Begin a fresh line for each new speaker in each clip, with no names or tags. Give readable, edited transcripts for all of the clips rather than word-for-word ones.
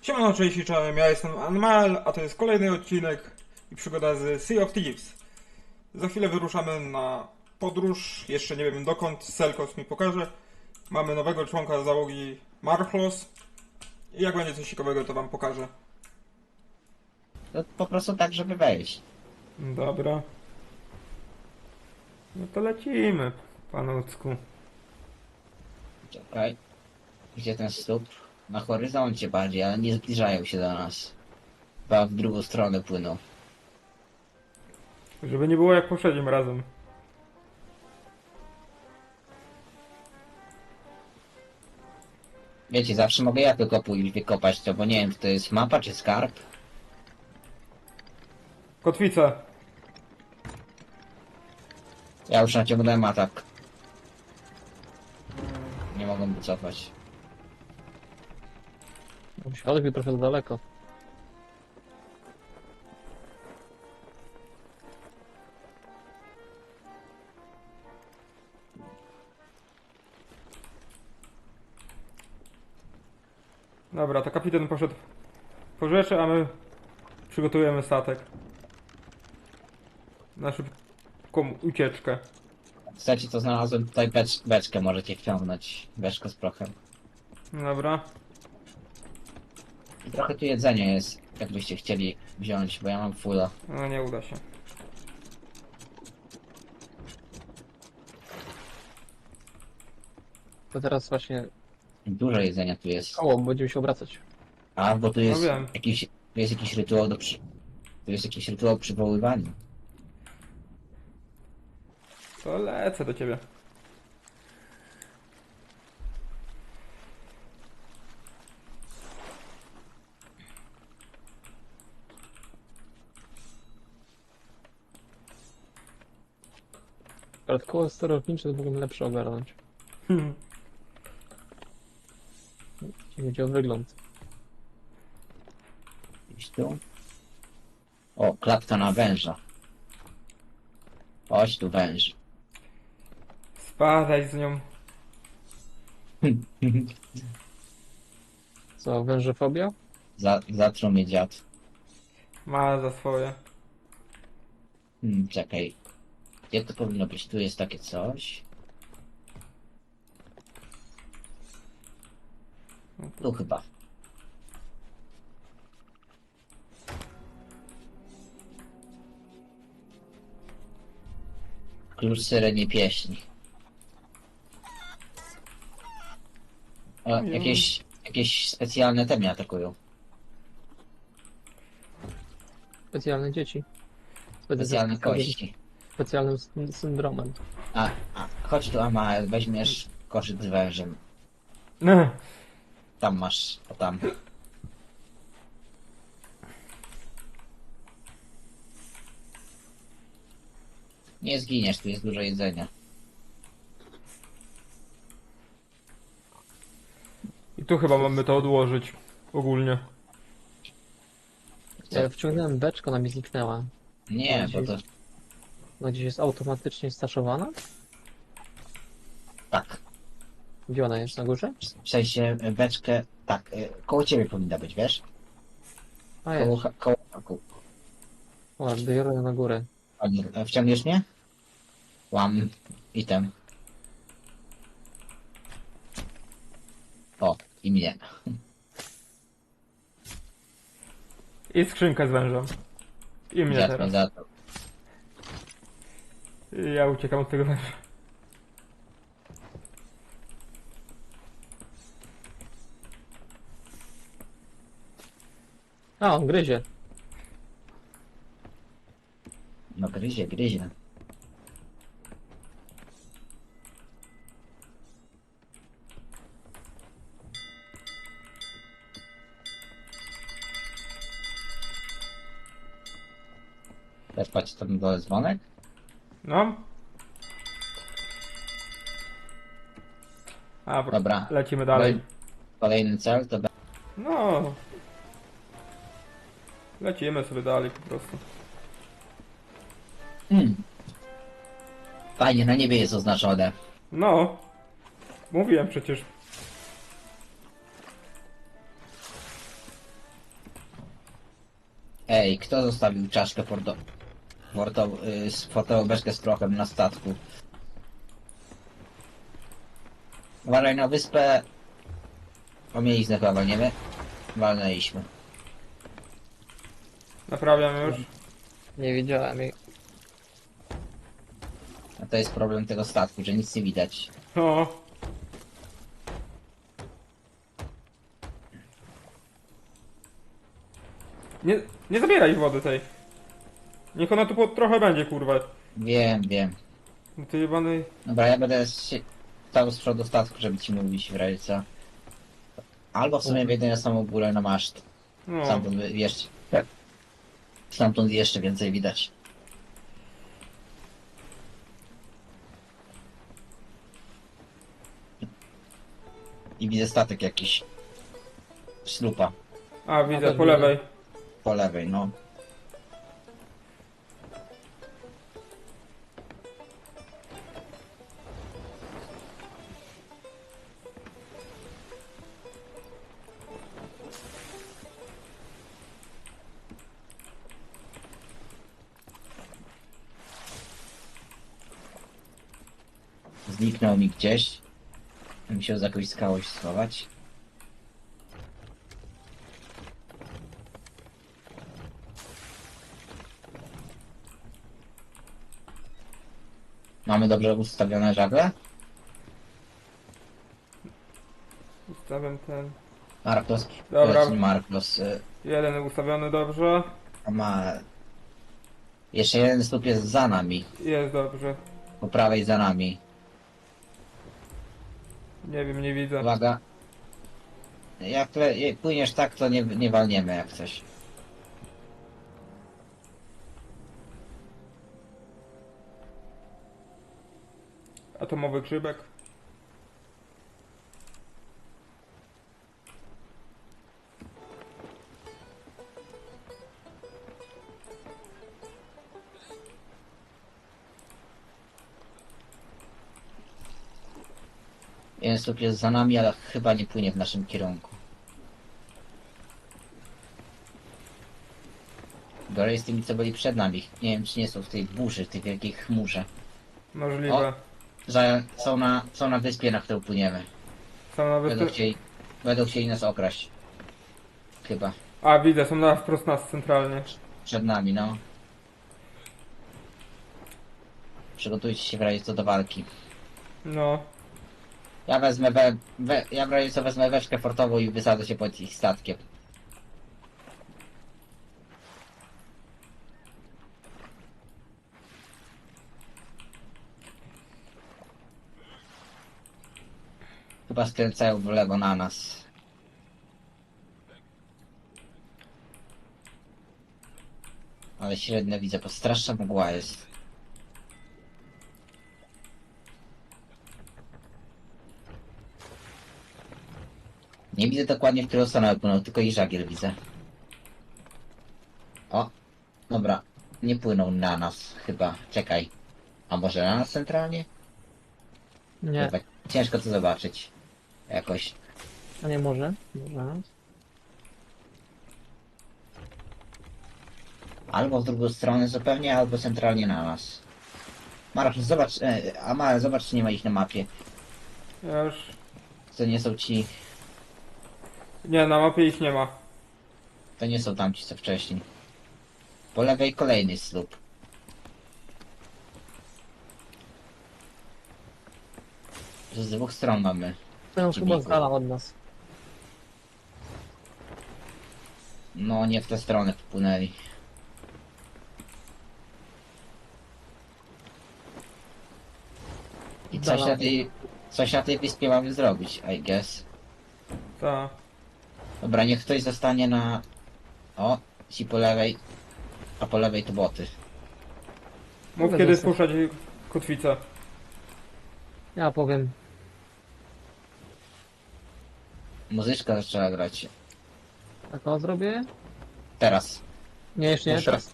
Siemano, cześć, czołem, ja jestem Anmal, a to jest kolejny odcinek i przygoda z Sea of Thieves. Za chwilę wyruszamy na podróż, jeszcze nie wiem dokąd, Selkos mi pokaże. Mamy nowego członka załogi Marchlos i jak będzie coś ciekawego, to wam pokażę.
To po prostu tak, żeby wejść.
Dobra. No to lecimy, panucku.
Czekaj. Gdzie ten stóp? Na horyzoncie bardziej, ale nie zbliżają się do nas. Chyba w drugą stronę płyną.
Żeby nie było jak poprzednim razem.
Wiecie, zawsze mogę ja tylko pójść wykopać to, bo nie wiem, czy to jest mapa, czy skarb.
Kotwica.
Ja już naciągnąłem atak. Nie mogę wycofać.
Odbił trochę za daleko.
Dobra, to kapitan poszedł po rzeczy, a my przygotujemy statek na szybką ucieczkę.
Chcecie, to znalazłem tutaj beczkę, możecie wciągnąć. Beczkę z prochem.
Dobra.
I trochę tu jedzenia jest, jakbyście chcieli wziąć, bo ja mam fulla.
No nie uda się.
To teraz właśnie
Dużo jedzenia tu jest.
koło, będziemy się obracać.
A, bo tu jest
wiem.
jakiś rytuał Tu jest jakiś rytuał przywoływania.
To lecę do ciebie.
Ale koło sterownicze to mogłem lepsze ogarnąć. Jeśli chodzi o wygląd.
Gdzieś tu. O, klatka na węża. Chodź tu węż.
Spadaj z nią.
Co, wężofobia?
Zatruł mnie dziad.
Ma za swoje.
Czekaj. Gdzie to powinno być? Tu jest takie coś. Tu chyba. Klucz syrenie pieśni. O, jakieś specjalne temy atakują.
Specjalne dzieci.
Specjalne kości.
Specjalnym syndromem.
A, chodź tu, Ama, weźmiesz koszyk z wężem.
No.
Tam masz, o tam. Nie zginiesz, tu jest dużo jedzenia.
I tu chyba mamy to odłożyć. Ogólnie.
Ja wciągnąłem beczkę, ona mi zniknęła.
Nie, bo to
Ona gdzieś jest automatycznie staszowana?
tak.
Gdzie ona jest? Na górze?
W sensie beczkę, tak, koło ciebie powinna być, wiesz?
A jest.
Koło.
O, biorę ją na górę.
Wciągniesz mnie? Łam item. O, i mnie.
I skrzynkę z wężem. I mnie
Dziad mnie
teraz.
zatruł.
I ja uciekam od tego węża.
A, on gryzie.
No gryzie. Też patrz tam dole dzwonek?
No. A,
Dobra.
lecimy dalej.
Kolejny cel to
No. Lecimy sobie dalej po prostu.
Fajnie, na niebie jest oznaczone.
No. Mówiłem przecież.
Ej, kto zostawił czaszkę sportową beczkę z prochem na statku? Uważaj na wyspę. O mieliznę chyba walniemy. Walnęliśmy.
Naprawiam już.
Nie widziałem jej.
A to jest problem tego statku, że nic nie widać.
O. Nie zabieraj wody tej. Niech ona tu trochę będzie, kurwa.
Wiem, wiem.
No ty jebany...
Dobra, ja będę stał z przodu statku, żeby ci mówić w razie co. Albo w sumie wejdę na samą górę na maszt.
No.
Stamtąd jeszcze więcej widać. I widzę statek jakiś. Ślupa.
A, widzę,
też
po
widzę.
lewej.
Po lewej, no. Zniknął mi gdzieś. Musiał za jakąś skałą się schować. Mamy dobrze ustawione żagle?
Ustawiam ten...
Marklos.
Dobra.
Marklos.
Jeden ustawiony dobrze.
A ma... Jeszcze jeden słup jest za nami.
Jest dobrze.
Po prawej za nami.
Nie wiem, nie widzę.
Uwaga. Jak płyniesz tak, to nie walniemy jak coś.
Atomowy grzybek.
Jeden słup jest za nami, ale chyba nie płynie w naszym kierunku. Gorzej z tymi, co byli przed nami. Nie wiem, czy nie są w tej burzy, w tej wielkiej chmurze.
Możliwe.
O. Są na wyspie, na którą płyniemy.
Są nawet...
Będą chcieli nas okraść. Chyba.
A, widzę, są na wprost nas centralnie.
Przed nami, no. Przygotujcie się w razie co do walki.
No.
Ja wezmę ja w razie co wezmę weszkę fortową i wysadzę się pod ich statkiem. Chyba skręcają w lewo na nas. Ale średnio widzę, bo straszna mgła jest. Nie widzę dokładnie, w którą stronę płynął, tylko i żagiel widzę. O, dobra. Nie płyną na nas chyba. Czekaj. A może na nas centralnie?
Nie,
Chyba ciężko to zobaczyć. Jakoś.
a nie może? Może.
Albo w drugą stronę zupełnie, albo centralnie na nas. Marasz, zobacz, Amara, zobacz, czy nie ma ich na mapie.
Ja już...
To nie są ci,
Nie, na mapie ich nie ma.
to nie są tamci, co wcześniej. Po lewej kolejny słup. Z dwóch stron mamy.
To chyba
Przeciwników.
z dala od nas.
No, nie w tę stronę wpłynęli. I
Dala.
coś na tej wyspie mamy zrobić, I guess.
Ta.
Dobra, niech ktoś zostanie na... O, ci po lewej, a po lewej to boty.
Mów
Mogę
kiedy
zostać.
spuszczać kotwicę.
Ja powiem.
Muzyczka zaczęła grać.
Taką zrobię?
Teraz.
Nie, jeszcze nie,
Proszę.
teraz.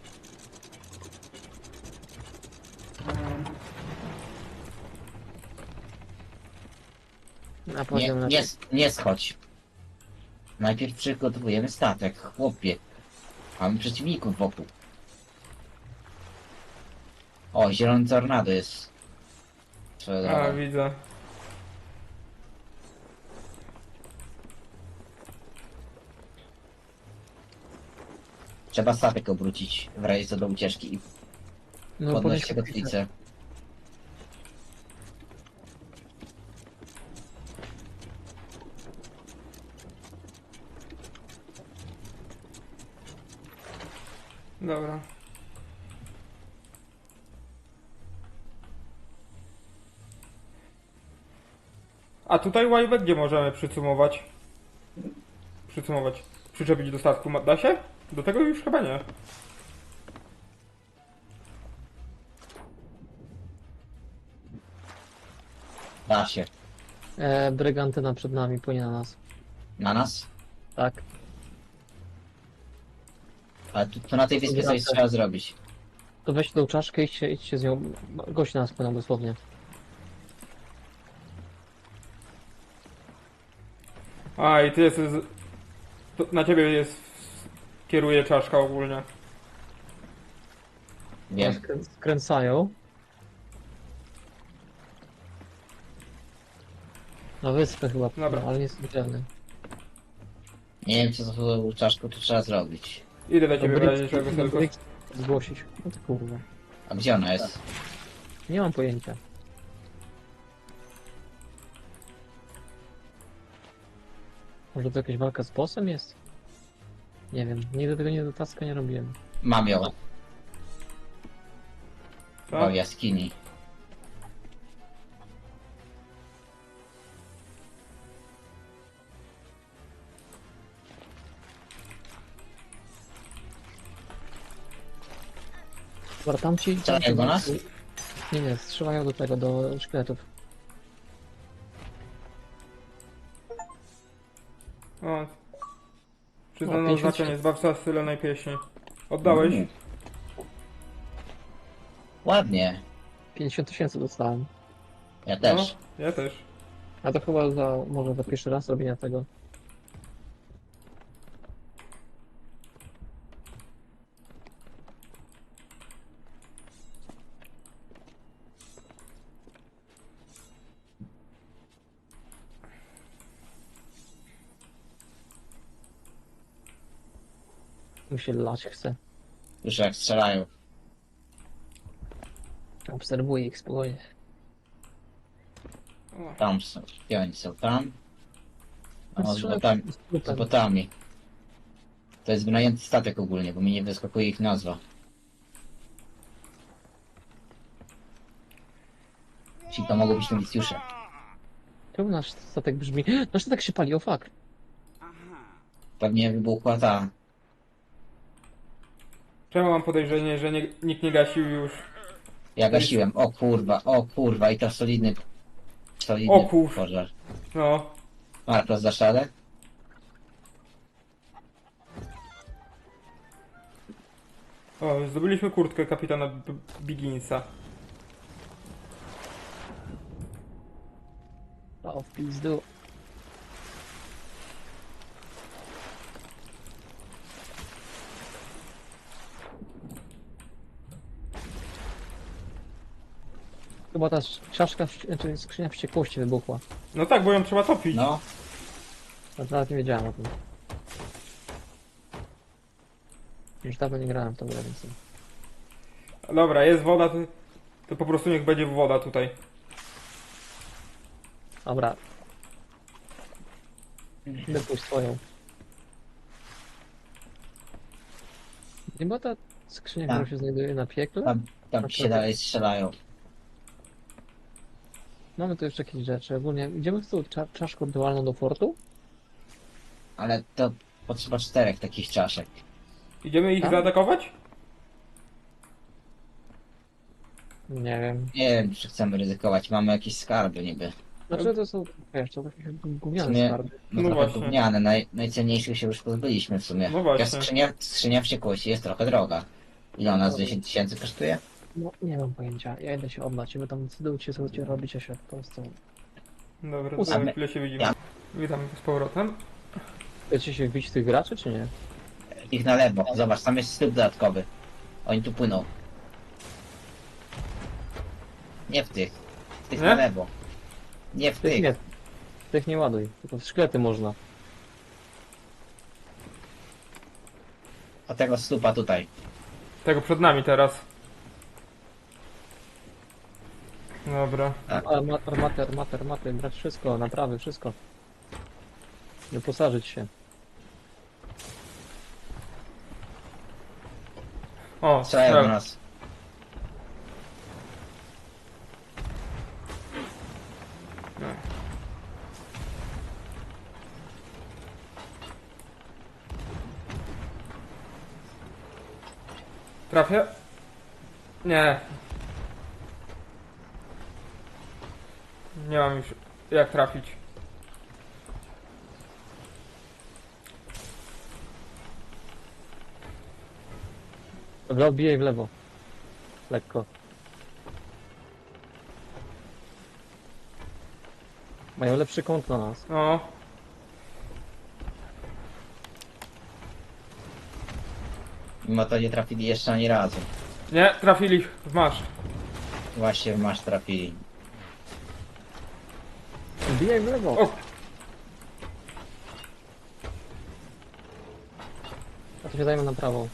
Na
Nie,
poziom
nie schodź. Najpierw przygotowujemy statek, chłopie. Mamy przeciwników wokół. O, zielony tornado jest. Swoją
A,
drogą.
widzę.
Trzeba statek obrócić w razie co do ucieczki i
No
podnosić
podnieś
kotwicę.
Dobra. A tutaj łajbę gdzie możemy przycumować? Przycumować. Przyczepić do statku. Da się? Do tego już chyba nie.
Da się.
Brygantyna przed nami, płynie na nas.
Na nas?
Tak.
Ale tu na tej wyspie coś
Wracam.
trzeba zrobić.
To weź tą czaszkę i idźcie z nią. Gość na nas płynął dosłownie.
A, i ty jesteś... To na ciebie jest... Kieruje czaszka ogólnie.
Wiem.
Skręcają. Na wyspę chyba,
Dobra.
ale nie jest widzialny.
Nie wiem co z tą czaszką tu trzeba zrobić.
Idę do ciebie w razie czego tylko.
Zgłosić. No to kurwa.
A gdzie ona jest?
Nie mam pojęcia. Może to jakaś walka z bossem jest? Nie wiem, nigdy tego nie do taska nie robiłem.
Mam ją.
Co?
W jaskini.
Dobra, tamci...
Strzelają do nas?
Nie, nie, strzelają do tego, do szkieletów.
O. Przyznano
50
znaczenie, zbawca stylonej pieśni. Oddałeś?
Ładnie.
50 000 dostałem.
Ja też.
No, ja też.
A to chyba za, może za pierwszy raz robienia tego. Mi się lać chce.
Już jak strzelają.
Obserwuję ich spokojnie.
O.
Tam są. Gdzie oni są? Tam? O, z
Strzelają
botami.
z
Z
trupem.
botami. To jest wynajęty statek ogólnie, bo mi nie wyskakuje ich nazwa. Czyli to mogą być nowicjusze.
Czemu nasz statek brzmi? Nasz statek się pali, o fuck.
Pewnie wybuchła ta.
Czemu mam podejrzenie, że nikt nie gasił już?
Ja gasiłem. O kurwa i to solidny. Solidny
O kur-
pożar.
No.
Marko, zdasz radę?
O, zdobyliśmy kurtkę kapitana Bigginsa.
O, w pizdu. Chyba ta czaszka, znaczy skrzynia wściekłości wybuchła.
No tak, bo ją trzeba topić.
No.
Ja nawet nie wiedziałem o tym. Już dawno nie grałem w tą grę, więc...
Dobra, jest woda, to po prostu niech będzie woda tutaj.
Dobra. Wypuść swoją. Nie była ta skrzynia,
Tak.
która się znajduje na piekle?
Tam się dalej strzelają.
Mamy tu jeszcze jakieś rzeczy. Ogólnie idziemy z tą czaszką dualną do fortu?
Ale to potrzeba 4 takich czaszek.
Idziemy ich
Tak?
zaatakować?
Nie wiem.
Nie wiem, czy chcemy ryzykować. Mamy jakieś skarby niby.
Znaczy to są, wiesz, to takie
W
gówniane
sumie-
skarby.
No,
No
trochę
właśnie.
gówniane. Najcenniejszych się już pozbyliśmy w sumie.
No właśnie.
Taka skrzynia wściekłości jest trochę droga. Ile ona z 10 000 kosztuje?
No, nie mam pojęcia. Ja idę się oddać. Wy tam decydujcie, co chcecie robić, a się po prostu...
Dobra,
Ósmy.
to za chwilę się widzimy.
Ja-
Witam z powrotem.
Chcecie się wbić tych graczy, czy nie?
Ich na lewo. Zobacz, tam jest styl dodatkowy. Oni tu płyną. Nie w tych. W tych
Nie?
na lewo. Nie w
Tych
tych.
nie. Tych nie ładuj. Tylko w szklety można.
O tego stupa tutaj.
Tego przed nami teraz. Dobra.
Armaty, brać wszystko, naprawy, wszystko. Wyposażyć się.
O,
Strzelają do
strzel.
nas.
Trafię? Nie. Nie mam już jak trafić.
Dobra, odbijaj w lewo. Lekko. Mają lepszy kąt na nas.
No.
Mimo to nie trafili jeszcze ani razu.
Nie, trafili w masz.
Właśnie w masz trafili.
Odbijaj w lewo.
O,
A to się zajmę na prawo.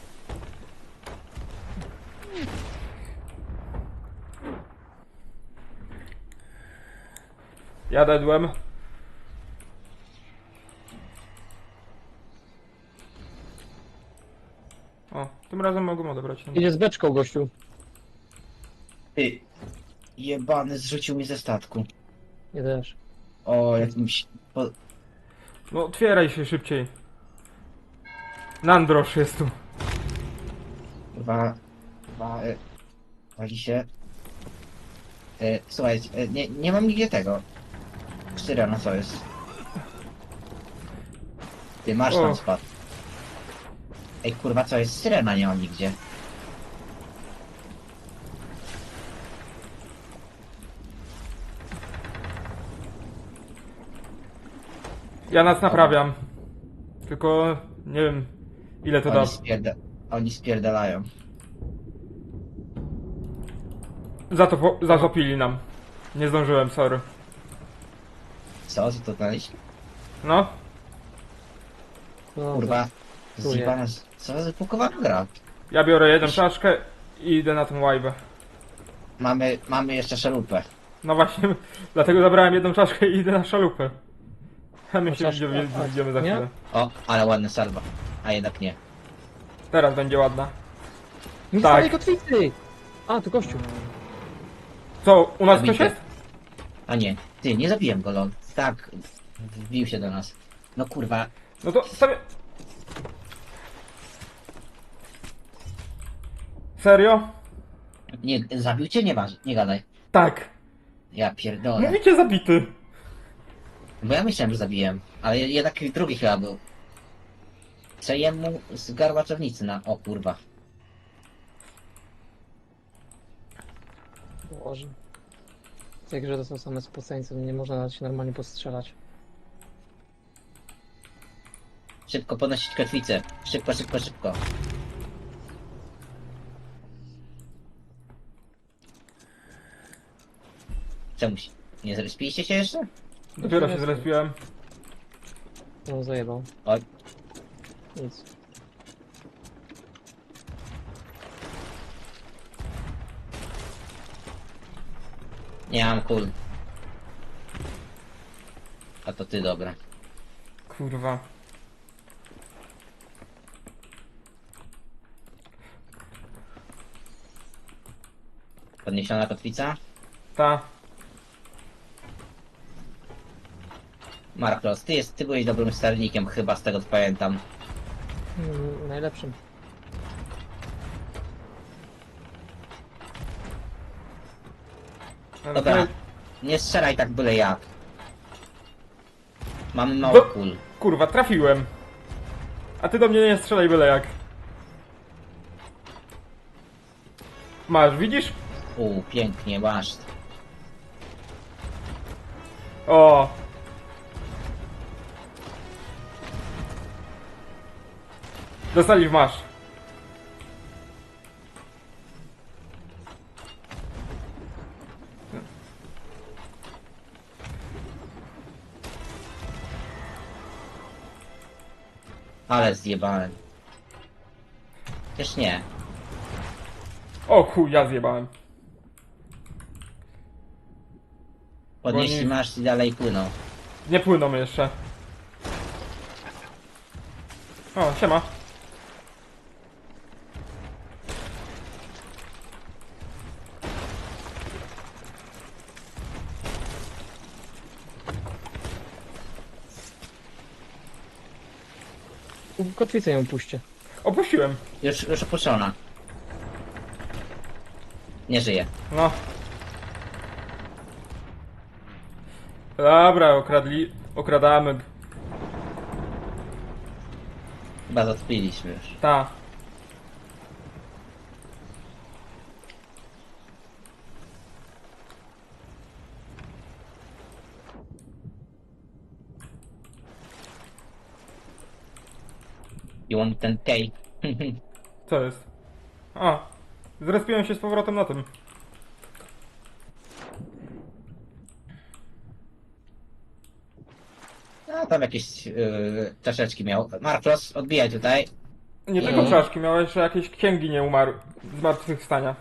ja dedłem. O, tym razem mogą odebrać.
Idzie z beczką, gościu.
Ty. Jebany zrzucił mi ze statku.
Nie też.
O, jakimś...
No, otwieraj się szybciej. Nandrosz jest tu.
Wali się. Słuchaj, nie mam nigdzie tego. Syrena, co jest? Ty masz
O.
tam spadł. Ej kurwa, co jest? Syrena nie mam nigdzie.
Ja nas naprawiam. Tylko nie wiem ile to da.
Oni spierdalają.
Zatopili nam. Nie zdążyłem, sorry.
Co to znaleźć?
No,
No,
Kurwa.
tu
Zjebana, co za wypukowana gra.
ja biorę jedną czaszkę i idę na tą łajbę.
Mamy jeszcze szalupę.
No właśnie, dlatego zabrałem jedną czaszkę i idę na szalupę. A my się
czaszkę?
widzimy za
Nie?
chwilę.
O, ale ładna salwa. A jednak nie.
Teraz będzie ładna.
Nie
Tak.
starej kotwicy! A, tu gościu.
Co, u nas ktoś
Zabity.
jest?
A nie. Ty, nie zabiłem go, lol. Tak. Wbił się do nas. No kurwa.
No to sobie... Serio?
Nie, zabił cię? Nie gadaj.
Tak.
Ja pierdolę.
Mówicie zabity.
Bo ja myślałem, że zabiłem. Ale jednak drugi chyba był. Przejem mu z garbaczownicy na... O kurwa.
Boże. W tej grze to są same spoceńce, nie można nawet się normalnie postrzelać.
Szybko podnosić kotwicę. Szybko, szybko, szybko. Czemu się... Nie zrespiliście się jeszcze?
Dopiero się zrespiłem.
No, zajebał.
Oj.
Nic.
Nie mam kul. A to ty, dobra.
Kurwa.
Podniesiona kotwica?
Ta.
Marklos, ty byłeś dobrym sternikiem chyba, z tego co pamiętam.
Najlepszym.
Dobra. Nie strzelaj tak byle jak. Mamy mało
Do-
kul.
Kurwa, trafiłem. A ty do mnie nie strzelaj byle jak. Masz, widzisz?
Pięknie, masz.
O. Dostali w masz.
Ale zjebałem. Też nie.
O chuj, ja zjebałem.
Podnieśli
Bo nie-
masz i dalej płyną.
Nie płyną jeszcze. O, siema.
Kotwicę ją puśćcie.
Opuściłem.
Już opuszczona. Nie żyje.
No. Dobra, okradamy.
Chyba zatopiliśmy już.
Ta.
You want ten cake?
Co jest? A. Zrespiłem się z powrotem na tym.
No tam jakieś czaszeczki miał. Marcos, odbijaj tutaj.
Nie tylko czaszki, miałeś jeszcze jakieś księgi nie umarł. Zmartwychwstania.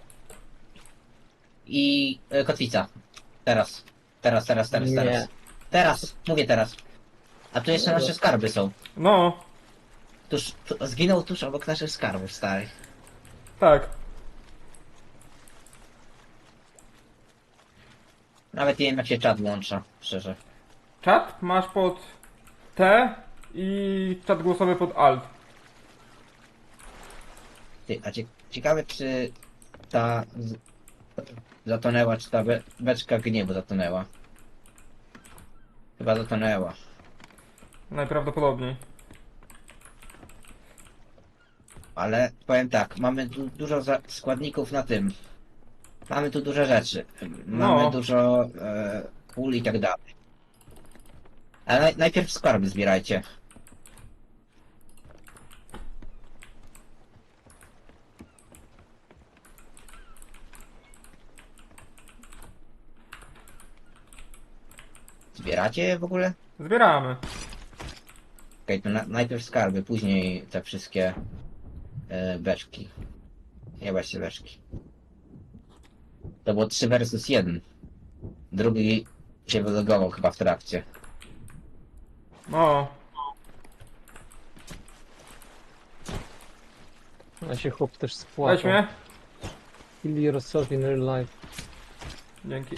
I kotwica. Teraz.
Nie.
Teraz. Mówię teraz. A tu jeszcze nasze skarby są.
No.
Zginął tuż obok naszych skarbów starych.
Tak.
Nawet nie wiem jak się czat włącza, szczerze.
Czat masz pod T i czat głosowy pod Alt.
Ty, a ciekawe czy ta zatonęła, czy ta beczka gniewu zatonęła. Chyba zatonęła.
Najprawdopodobniej.
Ale powiem tak, mamy tu dużo składników na tym. Mamy tu dużo rzeczy. Mamy
No.
dużo pól i tak dalej. Ale najpierw skarby zbierajcie. Zbieracie je w ogóle?
Zbieramy.
Okej, to najpierw skarby, później te wszystkie beczki. Nie właśnie beczki. To było 3 versus 1. Drugi się wylogował chyba w trakcie.
No.
A się chłop też spłakał.
Weź mnie.
Kill yourself in real life.
Dzięki.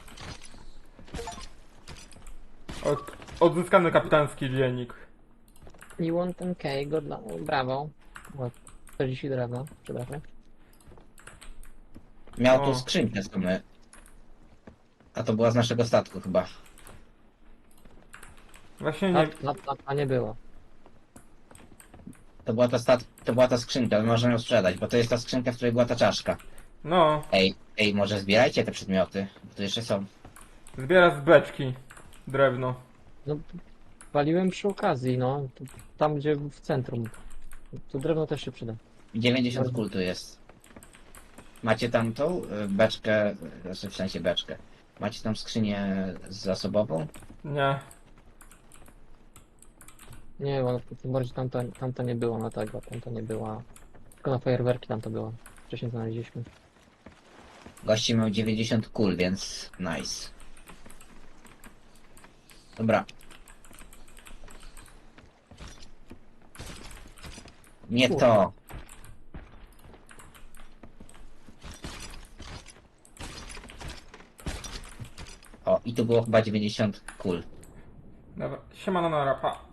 Odzyskany kapitański dziennik.
You want ten cake, good luck. Brawo. O, 40 drewna, przepraszam.
Miał
O.
tu skrzynkę z my. A to była z naszego statku chyba.
Właśnie
A,
nie...
a nie było.
To była ta skrzynka, my możemy ją sprzedać, bo to jest ta skrzynka, w której była ta czaszka.
No.
Ej, może zbierajcie te przedmioty, bo tu jeszcze są.
Zbiera z beczki. Drewno.
No, waliłem przy okazji, no. Tam, gdzie w centrum. Tu drewno też się przyda.
90 kul tu jest. Macie tam tą beczkę, znaczy w sensie beczkę. Macie tam skrzynię zasobową?
Nie.
Nie, bo tym bardziej tamta nie było na tego, tamta nie była. Tylko na fajerwerki tam to było. Wcześniej znaleźliśmy.
Gości miał 90 kul, więc nice. Dobra. Nie
Kurde.
to. O, i tu było chyba 90 kul.
Dobra. Siemano na rapa.